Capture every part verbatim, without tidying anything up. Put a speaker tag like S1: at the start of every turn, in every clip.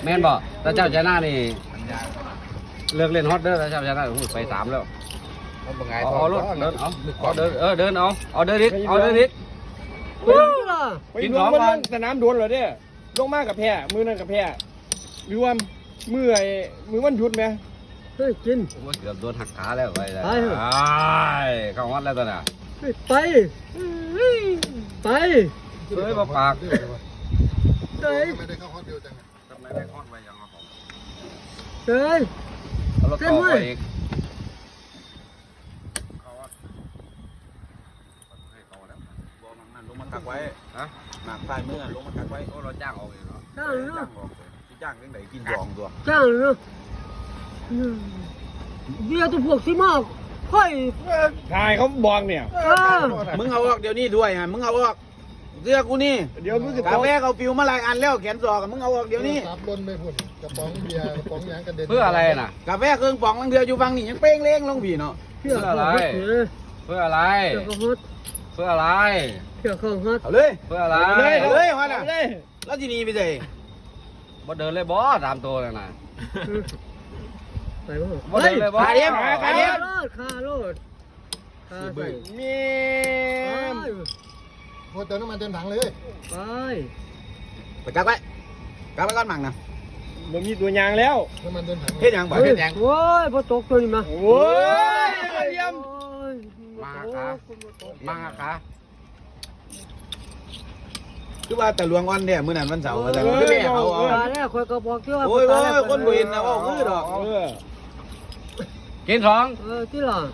S1: แม่นบ่แต่เจ้าชนะนี่เลิกเล่นฮอตเด้อแต่เจ้าชนะไปสามแล้วเอาเอารถเดินเอาเอาเดินเออเดินเอาเอาเดินอีกเอาเดินอีกกินของก่อน
S2: สนามโดนเหรอเนี่ยลงมากกับแพ้มือนั่นกับแพ้หรือว่ามือไอ้มือวันหยุดไหม
S3: เฮ้ยกิน
S1: เกือบโดนหักขาแล้วไปเลยเข้าฮอตแล้วตอนน่ะ
S3: ไปไป
S1: เฮ้ยมาปาก
S3: เฮ้ย
S4: ไม่ได้เข้าฮอตเดียวจัง
S1: ทำไมได้ฮอตไปยังผม
S3: เฮ้ย
S1: เอารถต่อไปอีก
S5: ลงมาตักไว้ฮะหมากใต้เมื่อลงมาตักไว้โอ้เราจ้างออกเองเนาะ
S3: จ้างเนาะ
S5: จ้างเรื่องไหนกินยองตัว
S3: จ้างเนาะเบียร์ตัวพวกสิมากค่อย
S2: ทายเขาบอกเนี่ย
S5: มึงเอาออกเดี๋ยวนี้ด้วยฮะมึงเอาออกเสื้อกูนี่
S2: เดี๋ยวมึงจะ
S5: กาแฟเขาปิวมาหลายอันแล้วแขนศอกมึงเอาออกเดี๋ยวนี้
S4: ซับล้นไม่พุ่นกระป๋องเบียร์กระป๋องยางกระเด็น
S1: เพื่ออะไรน่ะ
S5: กาแฟเครื่องปองลังเดืออยู่ฟังนี่ยังเป้งเล้งลงพี่เนาะ
S1: เพื่ออะไรเพื่ออะไรเพื่ออะไร
S3: เพื่อข้าวฮัท
S5: เอาเลย
S1: เพื่ออะไร
S5: เลยเลยฮะน่ะแล้วที่นี่ไปเลย
S1: บ่เดินเลยบ่ตามตัวเลยน่ะ
S3: ไปบ่
S1: บ่เดินเลยบ่
S5: ขาเดียมขาเดียม
S3: ขาโลดขาใส่
S2: มี
S4: โคตรเติมน้ำมันเต็มถังเลย
S3: ไป
S5: ไปกักไว้กักไว้ก่อนมั่งนะ
S2: มันมีตัวยางแล้ว
S4: น้ำมันเต็มถัง
S5: เฮ็ดยังบ่เฮ็ดยัง
S3: โอ้ยพอตกตัวนี้มา
S2: โอ้ยเยี่ยม
S1: มาขามาขา
S5: คือว่าแต่หลวงอ่อนเนี่ยมื้อนั้นวันเสาร์แต่คือแม่เอาเอา
S3: แล้วคอยก็บอกที่ว่า
S5: โอ้ยโอ้ยคนบ่เห็นนะว่าคือดอก
S1: กินสอง
S3: เออที่หลัง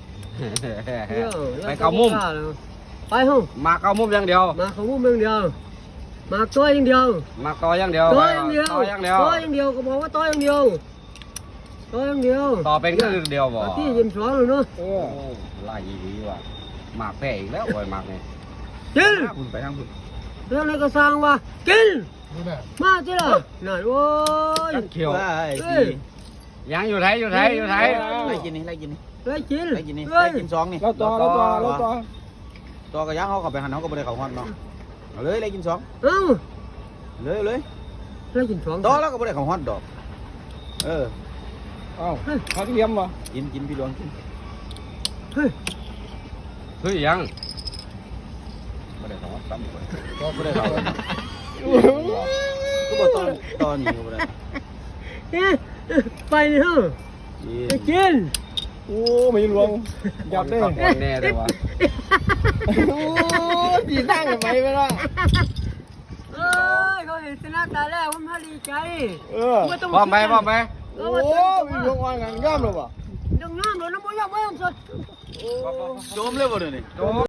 S1: ไปเกามุม
S3: ไปห้อง
S1: มาเกามุมอย่างเดียว
S3: มาเกามุมอย่างเดียวมาตัวอย่างเดียว
S1: มาต่ออย่างเดียว
S3: ต่ออย่างเดียว
S1: ต่ออย่างเดียว
S3: ต่ออย่างเดียวก็บอกว่าต่ออย่างเดียวต่ออย่างเดียว
S1: ต่อเป็นก็เดียวบ่
S3: ที่ยิมสอนเลยเนาะ
S1: โอ้ไล่ดีว่ะหมากแพ้อีกแล้วโอ้ยหมากนี่
S3: กิน
S5: คุณไปทางคุณ
S3: เรื่องอะไรก็สร้างว่ากินมาจีละนั่นโอ้ย
S1: เขียวยังอยู่ไทยอยู่ไทยอยู่ไทย
S5: ไล่กินนี่ไล่กินนี่
S3: ไล่กิน
S5: ไล่กินนี่ไล่กินสองนี่
S2: เราต่อเราต่อเราต่อ
S5: ต่อกระย่างเขากับไปหันเขาก็ไม่ได้เขาฮอนเนาะเอาเลยไล่กินสอง
S3: เอ้า
S5: เลยเลย
S3: ไล่กินสอง
S5: ต่อแล้วก็ไม่ได้เขาฮอนดอกเออ
S2: เอ้าเขาเทียมวะ
S5: กินกินพี่ดวงกิน
S3: เฮ้ย
S1: เฮ้ยยังไม่ได้เขาฮอนซ้ำเลย
S5: ก็ไม่ได้เขาก็บอกตอนตอนนี้ก็ไม่ได้
S3: ไปนี่ฮะไปกิน
S2: โอ้ไม่หลวงจับได้
S1: แน่เลยวะ
S2: โอ้ดีนั่งทำไมไม่ล่ะ
S3: เอ้ยเขาเห็นชนะตาแล้วผมพอดีใจ
S2: เออ
S1: พร้อมไหมพร้อมไหม
S2: โอ้มีหลวงวางงานย่ำหรอวะ
S3: ยังน้ำเลยน้ำมันยังไม่ยังสุด
S5: โจมเลยบ่เดี๋ยวนี้